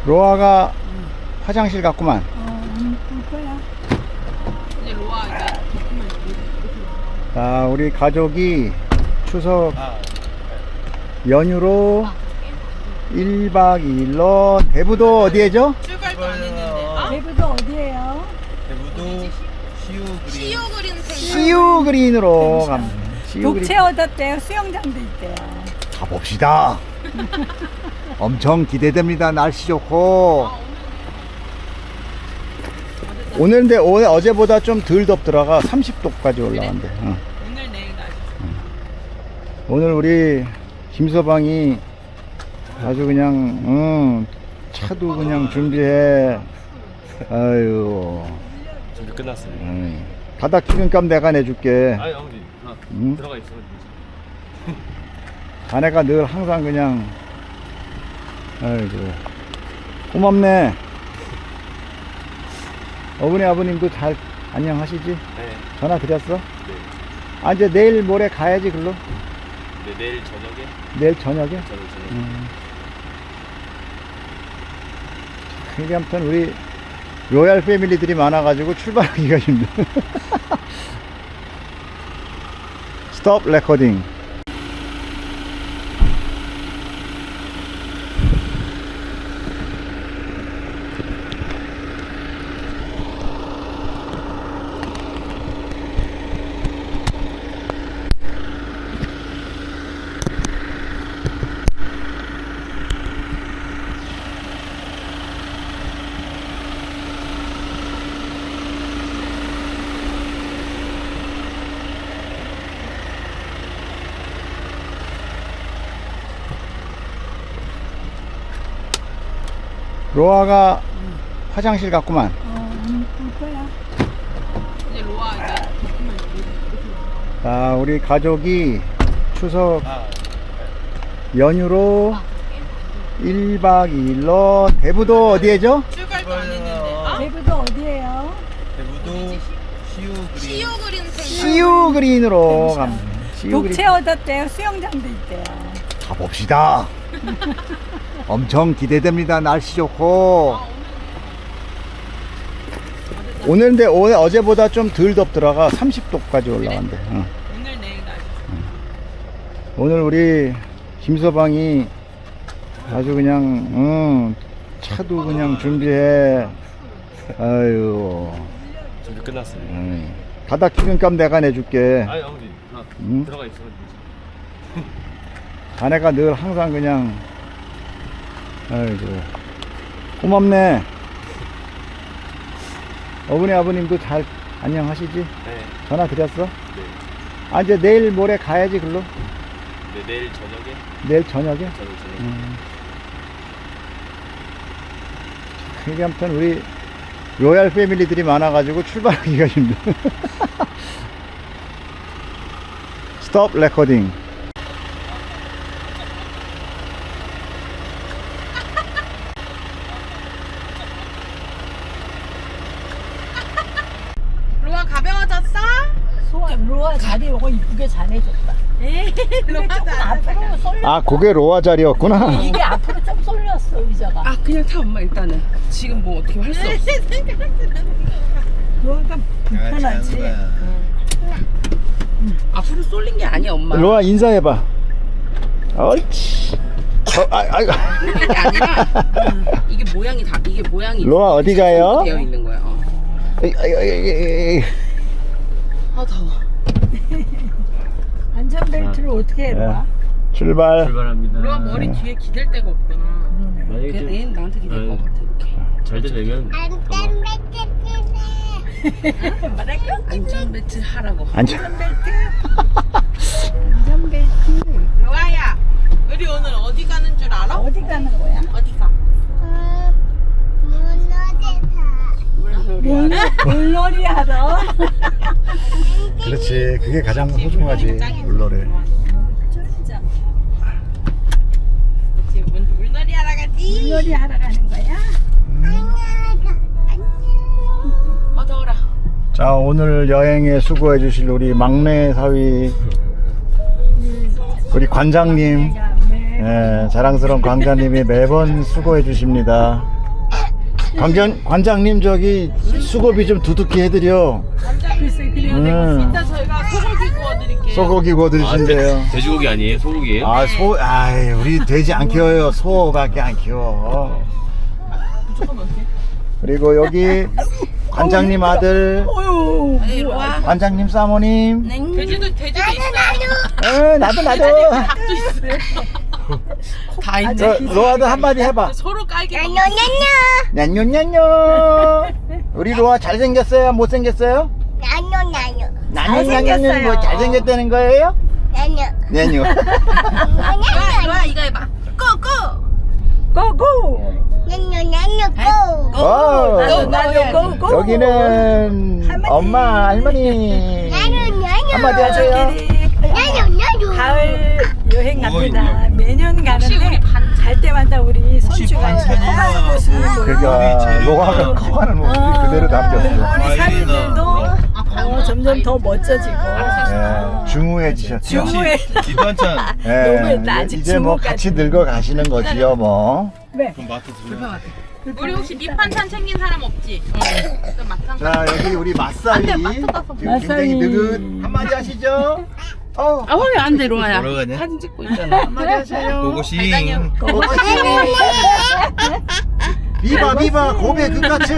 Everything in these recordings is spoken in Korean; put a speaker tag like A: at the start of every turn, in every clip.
A: 로아가 화장실 갔구만.
B: 볼 거야.
C: 이제 로아 이제
A: 자, 우리 가족이 추석 연휴로 1박 2일로 대부도 어디에죠?
C: 출발도 안 했는데.
B: 대구도 어디예요?
D: 대부도 시우그린
A: 시우 그린으로 갑니다. 시우 그린
B: 독채 얻었대요. 수영장도 있대요.
A: 가봅시다. 엄청 기대됩니다. 날씨 좋고. 오늘인데 오늘 어제보다 좀 덜 덥더라가 30도까지 올라간대.
C: 오늘 내일 날씨.
A: 오늘 우리 김서방이 아주 그냥 차도 그냥 준비해. 아유.
D: 준비 끝났어요.
A: 바닥 기름값 내가 내줄게.
D: 아니 아버지
A: 응?
D: 들어가 있어.
A: 자네가 늘 항상 그냥 아이고 고맙네. 어머니 아버님도 잘 안녕하시지?
D: 네.
A: 전화 드렸어?
D: 네.
A: 아 이제 내일 모레 가야지 글로.
D: 네 내일 저녁에.
A: 내일 저녁에?
D: 저녁에.
A: 그게 아무튼 우리 로얄 패밀리들이 많아가지고 출발하기가 힘들어. 스톱 레코딩. 로아가 화장실 갔구만.
B: 볼 거야.
C: 이제 로아 이제
A: 자, 우리 가족이 추석 연휴로 1박 2일로 대부도 어디에죠?
C: 출발도 안 했는데.
B: 대구도 어디예요?
D: 대부도 시우그린
A: 시우 그린으로 갑니다. 시우 그린
B: 독채 얻었대요. 수영장도 있대요.
A: 가봅시다. 엄청 기대됩니다. 날씨 좋고. 오늘인데 오늘 어제보다 좀 덜 덥더라가 30도까지 올라간대.
C: 오늘 내일 날씨.
A: 오늘 우리 김서방이 아주 그냥 차도 그냥 준비해. 아유.
D: 준비 끝났어요.
A: 바닥 기름값 내가 내줄게.
D: 아니 아버지
A: 응?
D: 들어가 있어.
A: 자네가 늘 항상 그냥 아이고 고맙네. 어머니 아버님도 잘 안녕하시지?
D: 네.
A: 전화 드렸어?
D: 네.
A: 아 이제 내일 모레 가야지 글로.
D: 네 내일 저녁에.
A: 내일 저녁에?
D: 저녁에.
A: 그게 아무튼 우리 로얄 패밀리들이 많아가지고 출발하기가 힘들어. 스톱 레코딩.
C: 로아 가벼워졌어?
B: 로아 자리 요거 이쁘게 잘해줬다.
C: 에이 로아
B: 조금 앞으로 쏠려.
A: 아 그게 로아 자리였구나.
B: 이게 앞으로 좀 쏠렸어 의자가.
C: 아 그냥 타 엄마 일단은. 지금 뭐 어떻게 할 수 없어.
B: 로아가 불편하지.
C: 앞으로 쏠린 게 아니야 엄마.
A: 로아 인사해봐. 옳지. 아이고.
C: 쏠린 게 아니라 이게 모양이 다 이게 모양이
A: 로아 어디 가요?
C: 되어 있는 거야. 아 더워.
B: 안전벨트를 어떻게 해 로아?
A: 출발.
D: 출발합니다.
C: 로아 머리 뒤에 기댈 데가 없구나.
D: 만약에
C: 그래서 얘는 나한테 기댈 것 같아 이렇게.
D: 잘 되면
C: 안전벨트 하라고.
A: 안전벨트.
B: 안전벨트
C: 로아야, 우리 오늘 어디 가는 줄 알아?
B: 어디 가는 거야?
C: 어디 가?
B: 물놀이 하러.
A: 그렇지. 그게 가장 소중하지. 물놀이.
B: 쫄리잖아.
C: 지금 물놀이 하러 가지.
B: 물놀이 하러 가는 거야?
C: 더워라.
A: 자, 오늘 여행에 수고해 주실 우리 막내 사위 우리 관장님,
B: 네.
A: 자랑스러운 관장님이 매번 수고해 주십니다. 관장님 저기 수고비 좀 두둑히 해드려.
B: 글쎄 그래요.
C: 이따 저희가 소고기 구워드릴게요.
A: 소고기 구워드리신대요.
D: 돼지고기 아니에요? 소고기예요?
A: 아이 우리 돼지 안 키워요. 소밖에 안 키워. 그리고 여기 관장님 아들,
C: 네, 이리 와.
A: 관장님 사모님.
C: 돼지도 있어요.
A: 나도.
C: 닭도 있어요. 다 있네.
A: 저 로아도 한마디 해봐.
C: 서로 깔게.
A: 냔뇨냔뇨. 우리 로아 잘생겼어요? 못생겼어요? 냔뇨냔뇨. 뭐 잘생겼다는 거예요? 냔뇨.
C: 로아 이거 해봐.
B: 고고. 나도
A: 여기는 엄마 할머니 한마디 하세요.
B: 가을 여행 갑니다. 매년 가는데 갈 때마다 우리 손주가 커가는 모습을
A: 그러니까 로아가 커가는 모습이 그대로 담겼어.
B: 우리 사위들도 점점 더 멋져지고
A: 중후해지셨죠.
B: 중후에
E: 기도 한잔.
B: 너무했다. 아직
A: 이제 뭐
B: 중후까지.
A: 같이 늙어 가시는 거지요 뭐.
B: 네.
E: 그럼 마트 들려.
C: 우리 혹시 밑반찬 챙긴 사람 없지? 응. 맛상.
A: 자 여기 우리 맛살이 지금 굉장히 느긋 한마디 하시죠.
C: 왜 안 돼, 로아야?
E: 뭐라고 하냐?
C: 사진 찍고 있잖아.
A: 한마디 하세요.
E: 고고싱.
A: 비바 고백 끝까지.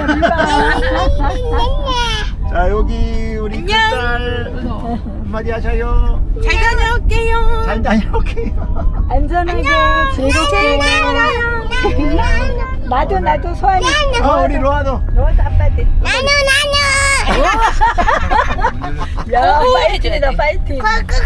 A: 자 여기 우리 큰딸 한마디 하셔요.
C: 잘 다녀올게요.
A: 잘 다녀올게요.
B: 안전하게 즐겁게 나도 소환이
A: 우리 로아도.
B: 너도 아빠들 야 파이팅이다 파이팅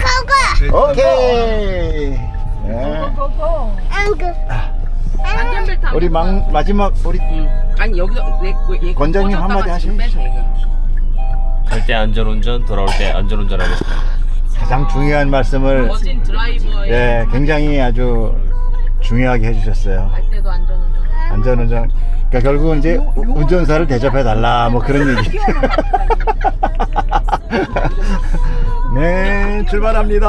A: 오케이.
B: 고고
C: 안전벨트 안
A: 우리 마지막 우리
C: 아니 여기서 얘
A: 권장님 한마디 하시죠.
D: 갈 때 안전운전, 돌아올 때 안전운전하겠습니다.
A: 가장 중요한 말씀을
C: 멋진 드라이버의
A: 굉장히 아주 중요하게 해주셨어요.
C: 갈 때도 안전운전.
A: 안전운전. 그러니까 결국은 이제 운전사를 대접해 달라 뭐 그런 얘기. 네 출발합니다.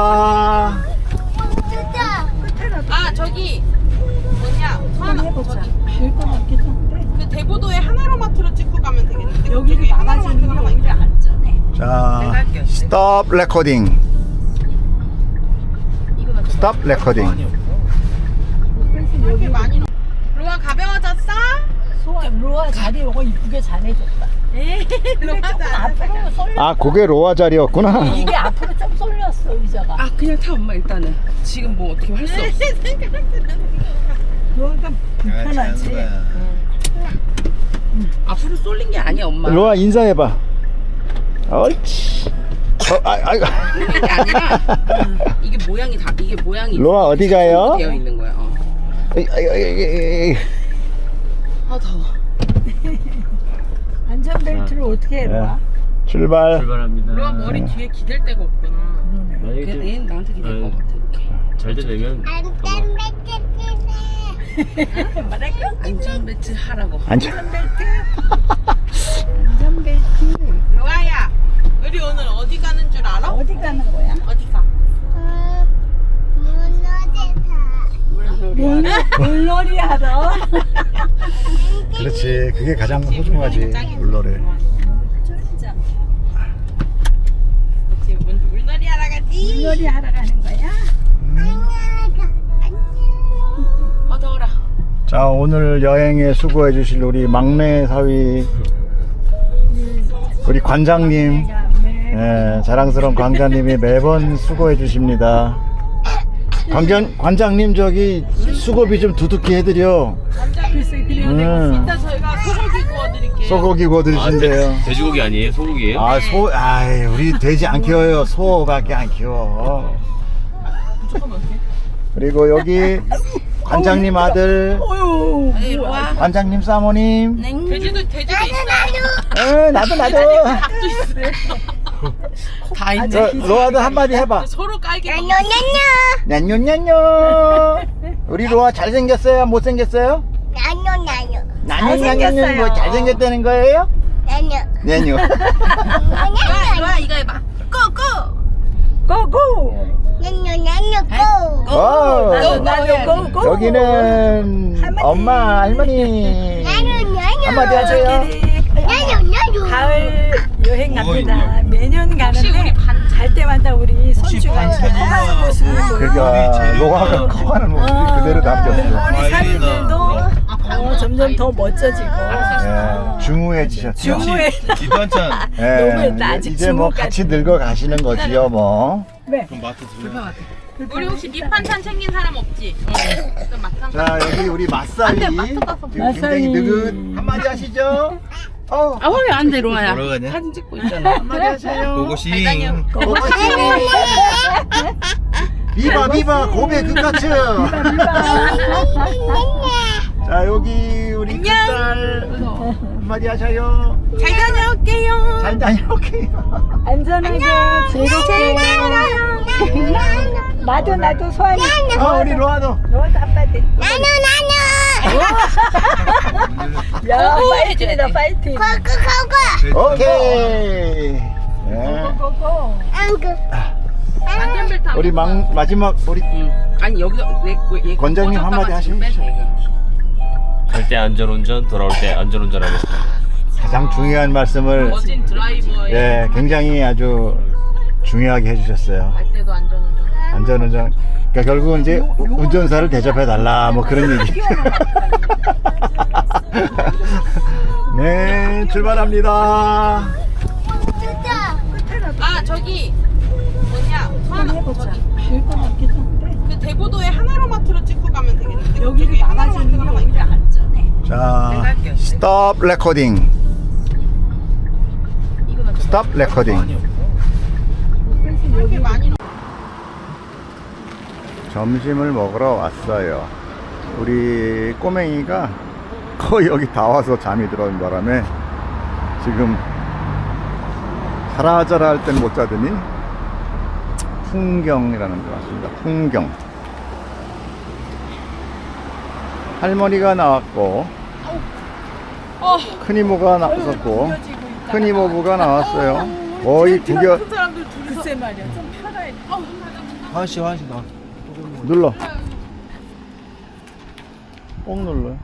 C: 아 저기 뭐냐 서하나 저기
B: 될것 같기도 한데
C: 그 대보도에 하나로마트로 찍고 가면 되겠는데
B: 여기를 나가지는 게 오히려 안전해
A: 자 스톱 레코딩. 스톱 레코딩.
C: 이렇게 많이 로아 가벼워졌어?
B: 로아 자리 요거 이쁘게 잘해줬다
C: 로아
B: 앞으로 쏠려
A: 아 그게 로아 자리였구나.
B: 이게 앞으로 좀 쏠렸어 의자가
C: 아 그냥 타 엄마 일단은 지금 뭐 어떻게 할 수 없어
B: 로아가 불편하지
C: 앞으로 쏠린 게 아니야 엄마
A: 로아 인사해봐. 옳지. 아이고.
C: 쏠린 게 아니라 이게 모양이
A: 로아 어디 가요?
C: 되어 있는 거야 아 더워
B: 안전벨트를 어떻게 해 로아
A: 출발.
D: 출발합니다.
C: 로아 머리 뒤에 기댈 데가 없구나
D: 만약에
C: 그래서 얘는 나한테 기댈 것 같아 이렇게
D: 잘 되면
C: 안전벨트 하라고
B: 안전벨트 안전벨트
C: 로아야 우리 오늘 어디 가는 줄 알아?
B: 어디 가는 거야?
C: 어디 가?
B: 물놀이 하러
A: 그렇지. 그게 가장 소중하지. 물놀이.
B: 쫄자
C: 지금 물놀이 하러 가지
B: 물놀이 하러 가는 거야?
C: 더워라
A: 자 오늘 여행에 수고해 주실 우리 막내 사위 우리 관장님 자랑스러운 관장님이 매번 수고해 주십니다. 관장님 저기 수고비 좀 두둑히 해드려.
B: 글쎄 그래요
C: 이따 저희가 소고기 구워드릴게요
A: 소고기 구워드리신대요.
D: 돼지고기 아니에요? 소고기예요?
A: 아이 우리 돼지 안 키워요. 소밖에 안 키워. 그리고 여기 관장님 아들,
C: 네, 이리 와.
A: 관장님 사모님.
C: 돼지도 있어요
A: 나도.
C: 닭도 있어요 다 있네
A: 저 로아도 한마디 해봐.
C: 서로 깔게
A: 냔뇨냔뇨. 우리 로아 잘생겼어요? 못생겼어요? 냔뇨냔뇨. 뭐 잘생겼다는 거예요? 냔뇨.
C: 로아 이거 해봐
B: 고고
A: 오.
B: 나도 고고
A: 여기는 엄마 할머니 한마디 하세요.
B: 가족끼리 가을 여행 갑니다. 매년 가는데 갈 때마다 우리 손주가 커가는 모습을
A: 그러니까 로아가 커가는 모습이 그대로 담겼어요.
B: 우리 사위들도 점점 더 멋져지고
A: 예, 중후해지셨죠.
B: 중후해.
E: 기도 한잔.
A: 예,
B: 너무했다. 아직
A: 이제 뭐
B: 중후까지.
A: 같이 늙어 가시는 거지요, 뭐.
B: 네.
E: 그럼 마트 들려.
C: 우리 혹시 밑반찬 챙긴 사람 없지? 좀 막상.
A: 자, 여기 우리 맛살이 지금 굉장히
B: 맛살이.
A: 느긋 한마디 하시죠.
C: 왜 안 돼, 로아야?
E: 뭐라고 하냐?
C: 사진 찍고 있잖아.
A: 한마디 하세요.
E: 고고싱.
A: 비바 비바 고베 그까츠. 자, 여기 우리 큰딸 한마디 하셔요.
C: 잘 다녀올게요.
A: 잘 다녀올게요.
B: 안전하게 즐겁게. 나도 소환이.
A: 우리 로아도.
B: 너도 아빠한테. 야, 파이팅이다, 파이팅.
A: 오케이. 예.
B: 고고.
C: 안전벨트 안
A: 우리 마지막 우리
C: 아니 여기서 얘
A: 권장님 한마디 하시죠.
D: 갈 때 안전운전, 돌아올 때 안전운전하겠습니다.
A: 가장 중요한 말씀을
C: 멋진 드라이버의
A: 예, 굉장히 아주 중요하게 해주셨어요.
C: 갈 때도 안전운전.
A: 안전운전. 그러니까 결국은 이제 운전사를 대접해 달라 뭐 그런 얘기. 네, 출발합니다.
C: 아 저기 뭐냐 저기
B: 될것 같기도 한데.
C: 그 대보도에 하나로마트로 찍고 가면 되겠는데
B: 여기를
C: 그쪽에
B: 나가지는 게
C: 하나로마트가
B: 오히려 안전해.
A: 자, 스톱 레코딩. 스톱 레코딩.
C: 이렇게 많이
A: 점심을 먹으러 왔어요. 우리 꼬맹이가 거의 여기 다 와서 잠이 들어온 바람에 지금 자라자라 할 땐 못 자더니 풍경이라는 데 왔습니다. 풍경. 할머니가 나왔고 큰 이모가 나왔었고 큰 이모부가 나왔어요. 거의 구겨
B: 글쎄 말이야, 좀 편해.
E: 화시 나.
A: 눌러. 꼭 눌러요.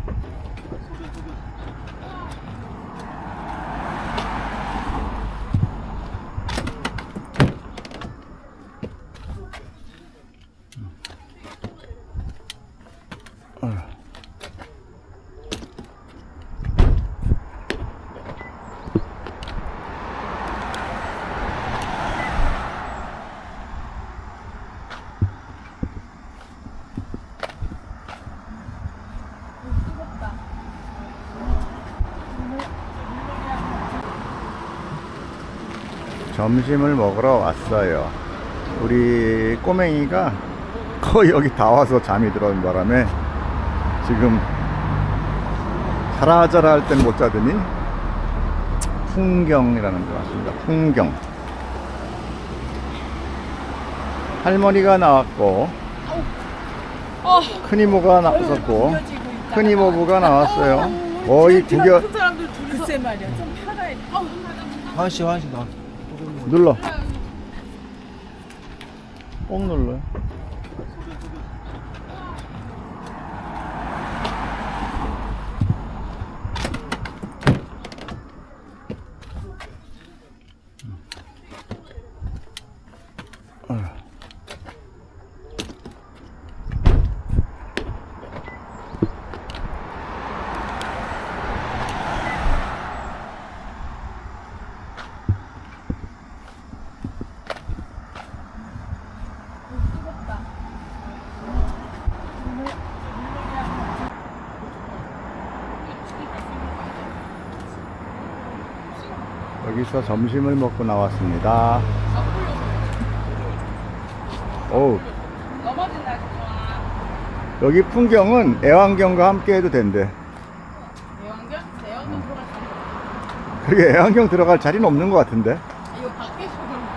A: 점심을 먹으러 왔어요. 우리 꼬맹이가 거의 여기 다 와서 잠이 들어온 바람에 지금 자라자라 할 땐 못 자더니 풍경이라는 데 왔습니다. 풍경. 할머니가 나왔고 큰 이모가 나왔었고 큰 이모부가 나왔어요. 거의 구겨
B: 글쎄 말이야, 좀 편해.
E: 화시 나.
A: 눌러. 꼭 눌러요. 여기서 점심을 먹고 나왔습니다. 어우,
C: 넘어진다 좋아.
A: 여기 풍경은 애완경과 함께 해도 된대.
C: 대왕견? 대왕견 들어갈 수 있는
A: 그게 애완경 들어갈 자리는 없는 것 같은데.
C: 이거 밖에서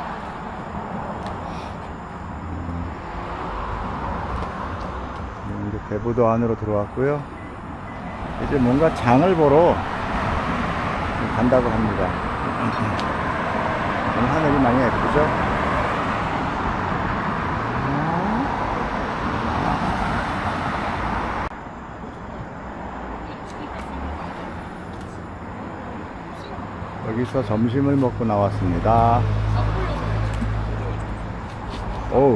A: 이제 대부도 안으로 들어왔고요. 이제 뭔가 장을 보러 간다고 합니다. 오늘 하늘이 많이 예쁘죠? 여기서 점심을 먹고 나왔습니다. 오,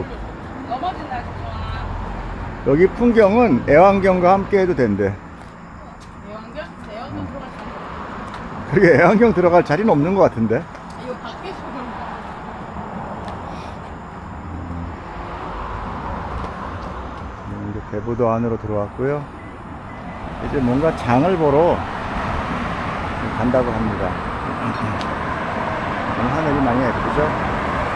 A: 여기 풍경은 애완경과 함께 해도 된대.
C: 애완견? 애완견 들어갈 수
A: 그게 애완경 들어갈 자리는 없는 것 같은데.
C: 이거 밖에서 그런 거.
A: 이제 대부도 안으로 들어왔고요. 이제 뭔가 장을 보러 간다고 합니다. 오늘 하늘이 많이 예쁘죠?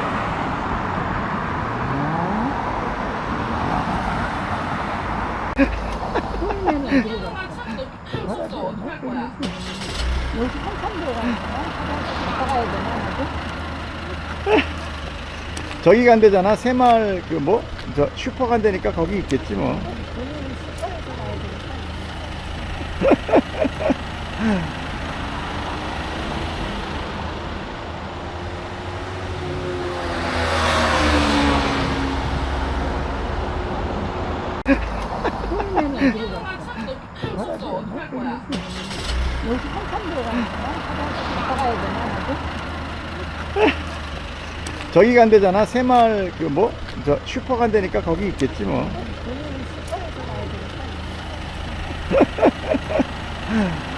B: 여기 한참 들어가는 거야? 가야 되나?
A: 저기 간대잖아. 새마을 그 뭐? 저 슈퍼 간다니까 거기 있겠지 뭐.
B: 우리는 슈퍼에서 가야 되니까. 여기 한참 들어가는 거야? 가야 되나?
A: 저기 간대잖아. 새마을 그 뭐? 저 슈퍼 간다니까 거기 있겠지 뭐.
B: 우리는 슈퍼에서 가야 되니까.